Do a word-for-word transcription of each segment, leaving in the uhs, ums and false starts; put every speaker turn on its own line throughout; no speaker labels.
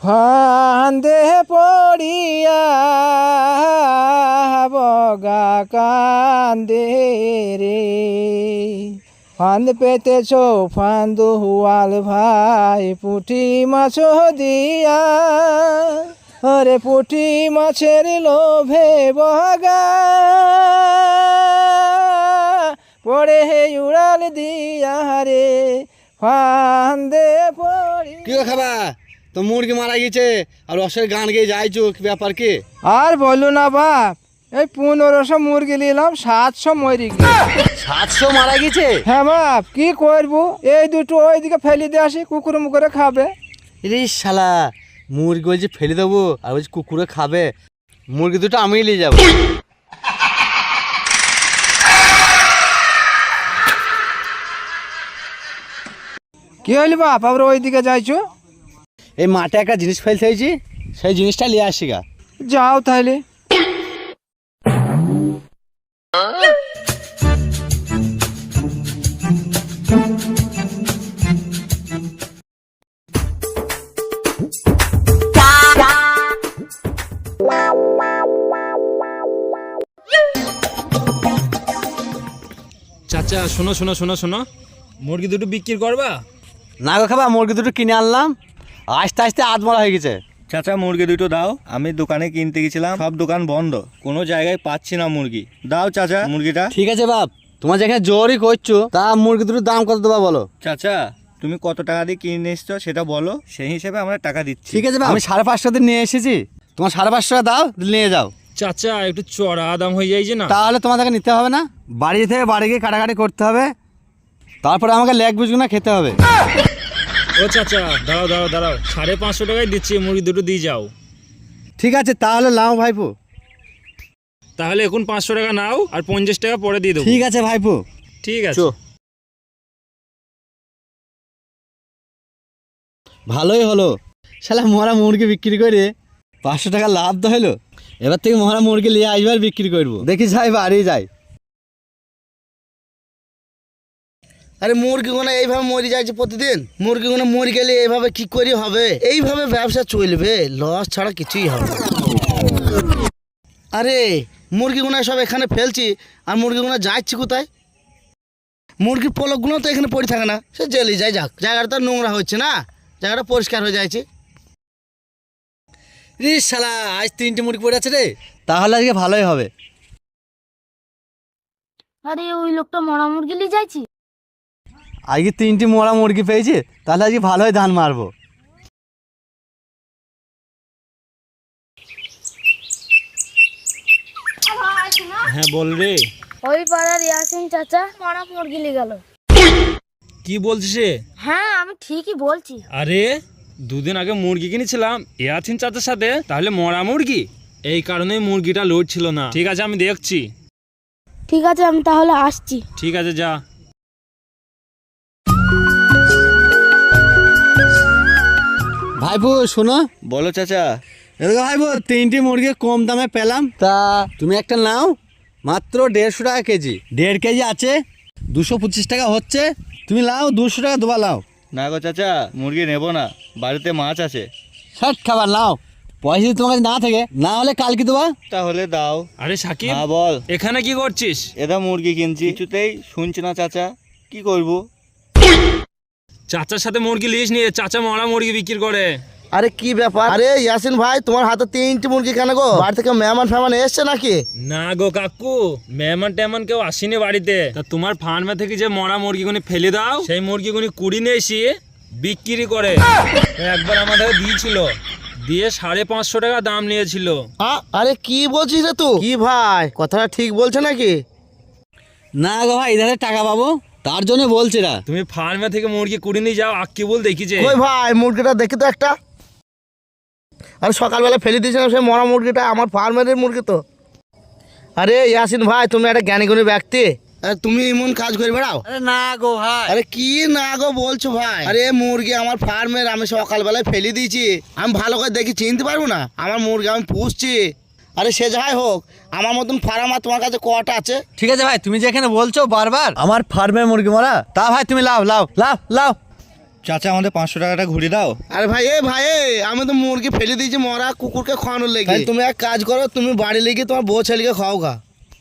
ফান্দে পড়িয়া বগা কান্দে রে। ফান্দ পেতেছ ফান্দ হুয়াল ভাই পুঁটি মাছ দিয়া, আরে পুঁটি মাছের লোভে বগা পড়ে হে উড়াল দিয়া রে ফান্দে পড়ি।
কি খাবা তো মুরগি মারা গেছে আর রসের গান গিয়ে যাইছো, কি ব্যাপার কি?
আর বললো না বাপ, এই পনেরোশো মুরগি নিলাম, সাতশো মরি গেছে।
সাতশো মারা গেছে?
হ্যাঁ বাপ, কি করবো, এই দুটো ওইদিকে ফেলে দিয়ে আসি, কুকুর মুকুরে খাবে।
রে শালা, মুরগি বলছি ফেলে দেবো আর বলছি কুকুরে খাবে। মুরগি দুটো আমি নিয়ে যাবো।
কি হইলি বাপ, আবার ওইদিকে যাইছো?
এই মাঠে একটা জিনিস ফেলতে হয়েছি, সেই জিনিসটা নিয়ে আসি গা।
যাও তাহলে।
চাচা শোনো শোনো শোনো শোনো, মুরগি দুটো বিক্রি করবা?
না গো খাবা, মুরগি দুটো কিনে আনলাম, আস্তে আস্তে আধ মরা হয়ে গেছে।
চাচা মুরগি দুটো দাও, আমি দোকানে কিনতে গেছিলাম, সব দোকান বন্ধ, কোনো জায়গায় পাচ্ছি না মুরগি। দাও চাচা মুরগিটা।
ঠিক আছে বাপ, তোমার যেখানে জোরই করছো, তা মুরগি দুটোর দাম কত দেবা বলো?
চাচা তুমি কত টাকা দিয়ে কিনে এসছো সেটা বলো, সেই হিসেবে আমরা টাকা দিচ্ছি।
ঠিক আছে বাপ, আমি সাড়ে পাঁচশো দিয়ে নিয়ে এসেছি, তোমার সাড়ে পাঁচশো টাকা দাও, নিয়ে যাও।
চাচা একটু চড়া দাম হয়ে যাইছে না?
তাহলে তোমাদেরকে নিতে হবে না, বাড়ি থেকে বাড়ি গিয়ে কাটাকাটি করতে হবে, তারপরে আমাকে লেগ বুঝগুলো খেতে হবে।
ও চাচা দাঁড়াও দাঁড়াও দাঁড়াও, সাড়ে পাঁচশো টাকায় দিচ্ছি, মুরগি দুটো দিয়ে যাও।
ঠিক আছে তাহলে নাও ভাইপো।
তাহলে এখন পাঁচশো টাকা নাও আর পঞ্চাশ টাকা পরে দিয়ে দেবো।
ঠিক আছে ভাইপো।
ঠিক আছে।
ভালোই হলো, শালা মরা মুরগি বিক্রি করে পাঁচশো টাকা লাভ তো হলো। এবার থেকে মরা মুরগি নিয়ে আসবে আর বিক্রি করবো, দেখি যাই বাড়ি যাই।
আরে মুরগিগুলো এইভাবে মরে যাচ্ছে প্রতিদিন, মুরগিগুলো মরে গেলে এইভাবে কি করে হবে? এইভাবে ব্যবসা চলবে, লস ছাড়া কিছুই হবে না। আরে মুরগিগুলো সব এখানে ফেলছি আর মুরগিগুলো যাচ্ছে কোথায়? মুরগির পলকগুলো তো এখানে পড়ে থাকে না, সে জেলে যায়, যাক জায়গাটা তো নোংরা হচ্ছে না, জায়গাটা পরিষ্কার হয়ে যাচ্ছে।
রে শালা, আজ তিনটে মুরগি পড়ে আছে রে, তাহলে আজকে ভালোই হবে।
আরে ওই লোকটা মরা মুরগি নিয়ে যাইছি।
আজকে তিনটি মরা মুরগি পেয়েছে, তাহলে আজকে ভালোই ধান মারবো।
হ্যাঁ বল রে।
ওই পাড়ার ইয়াসিন চাচা মরা মুরগি নিয়ে গেল।
কি বলছিস রে?
হ্যাঁ আমি ঠিকই বলছি।
আরে দুদিন আগে মুরগি কিনেছিলাম ইয়াছিন চাচার সাথে, তাহলে মরা মুরগি, এই কারণেই মুরগিটা লোড ছিল না। ঠিক আছে আমি দেখছি।
ঠিক আছে আমি তাহলে আসছি।
ঠিক আছে যা।
ভাইপো শোনো।
বলো চাচা।
এদিকে ভাইপো, তিনটি মুরগি কম দামে পেলাম, তা তুমি একটা নাও, মাত্র দেড়শো টাকা কেজি, দেড় কেজি আছে, দুশো পঁচিশ টাকা হচ্ছে, তুমি লাও, দুশো টাকা দেবা লাও।
না গো চাচা, মুরগি নেবো না, বাড়িতে মাছ আছে।
ষাট খাবার লাও, পয়সা যদি তোমার কাছে না থাকে, না হলে কালকে দেবা।
তাহলে দাও।
আরে সাকিব,
হ্যাঁ বল।
এখানে কি করছিস?
এটা মুরগি কিনছি, কিছুতেই শুনছি না চাচা, কি করব?
চাচার সাথে মুরগি লিস নিয়ে, চাচা মরা মুরগি বিক্রি করে।
আরে কি ব্যাপার? আরে ইয়াসিন ভাই, তোমার হাতে তিনটি মুরগি কেন গো? বাড়ি থেকে মেহমান ফেমান এসছে নাকি?
না গো কাকু, মেহমান টেহমান কেউ আসেনি বাড়িতে। তা তোমার ফার্মে থেকে যে মরা মুরগিগুনি ফেলে দাও, সেই মুরগিগুনি কুড়ি নিয়ে এসে বিক্রি করে। একবার আমাদের দিয়েছিল, দিয়ে সাড়ে পাঁচশো টাকা দাম নিয়েছিল।
আরে কি বলছিস রে তুই? কি ভাই, কথাটা ঠিক বলছে নাকি?
না গো ভাই, এধারে টাকা পাবো, তার জন্য বলছে না।
তুমি ফার্মে থেকে মুরগি কুড়ি নিয়ে যাও, আক্কি বল দেখিছে।
ওই ভাই, মুরগিটা দেখি তো একটা। আমি সকালবেলা ফেলে দিয়েছিলাম সেই মরা মুরগিটা, আমার ফার্মের মুরগি তো। আরে ইয়াসিন ভাই, তুমি একটা জ্ঞানী গুণী ব্যক্তি, তুমি এমন কাজ করে বেড়াও?
আরে না গো ভাই।
আরে কি না গো বলছো ভাই? আরে মুরগি আমার ফার্মের, আমি সকালবেলায় ফেলে দিয়েছি, আমি ভালো করে দেখি চিনতে পারবো না? আমার মুরগি আমি পুষছি। আরে সে যাই হোক, আমার মতন ফার্ম আর তোমার কাছে কটা আছে?
ঠিক আছে ভাই, তুমি যেখানে বলছো বারবার আমার ফার্মের মুরগি মরা, তা ভাই তুমি লাও লাও লাও লাও।
চাচা আমাদের পাঁচশো টাকাটা ঘুরে দাও।
আরে ভাই এ ভাই এ, আমি তো মুরগি ফেলে দিয়েছি মরা কুকুরকে খাওয়ানোর লেগে। তাই তুমি এক কাজ করো, তুমি বাড়ি লেগে তোমার বউ ছেলেকে খাও গা।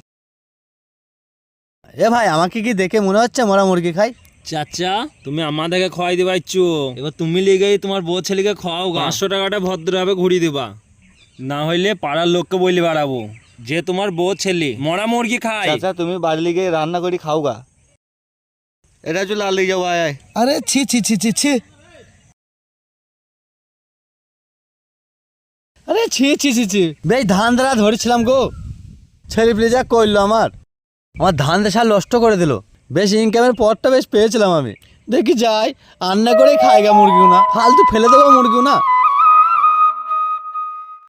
এ ভাই আমাকে কি দেখে মনে হচ্ছে মরা মুরগি খাই?
চাচা তুমি আমাদেরকে খাওয়াই দিবাইছো, এবার তুমি লেগেই তোমার বউ ছেলেকে খাওয়াও গা। পাঁচশো টাকাটা ভদ্রভাবে ঘুরিয়ে দিবা, না হইলে পাড়ার লোককে বলি বাড়াবো যে তোমার বউ ছেলে মরা মুরগি খায়।
চাচা তুমি বাড়ি লিগে রান্না করি খাও গা। এটা চলে আর লিগে যাবো, আয় আয়।
আরে ছি ছি ছি ছি ছি।
আরে ছি ছি ছি ছি, বেশ ধান দ্বারা ধরেছিলাম গো, ছেলে প্লিজ যা করলো আমার আমার ধান দেশা নষ্ট করে দিল। বেশ ইনকামের পথটা বেশ পেয়েছিলাম আমি। দেখি যাই রান্না করে খাই গা মুরগিও না, ফালতু ফেলে দেবো মুরগিও না।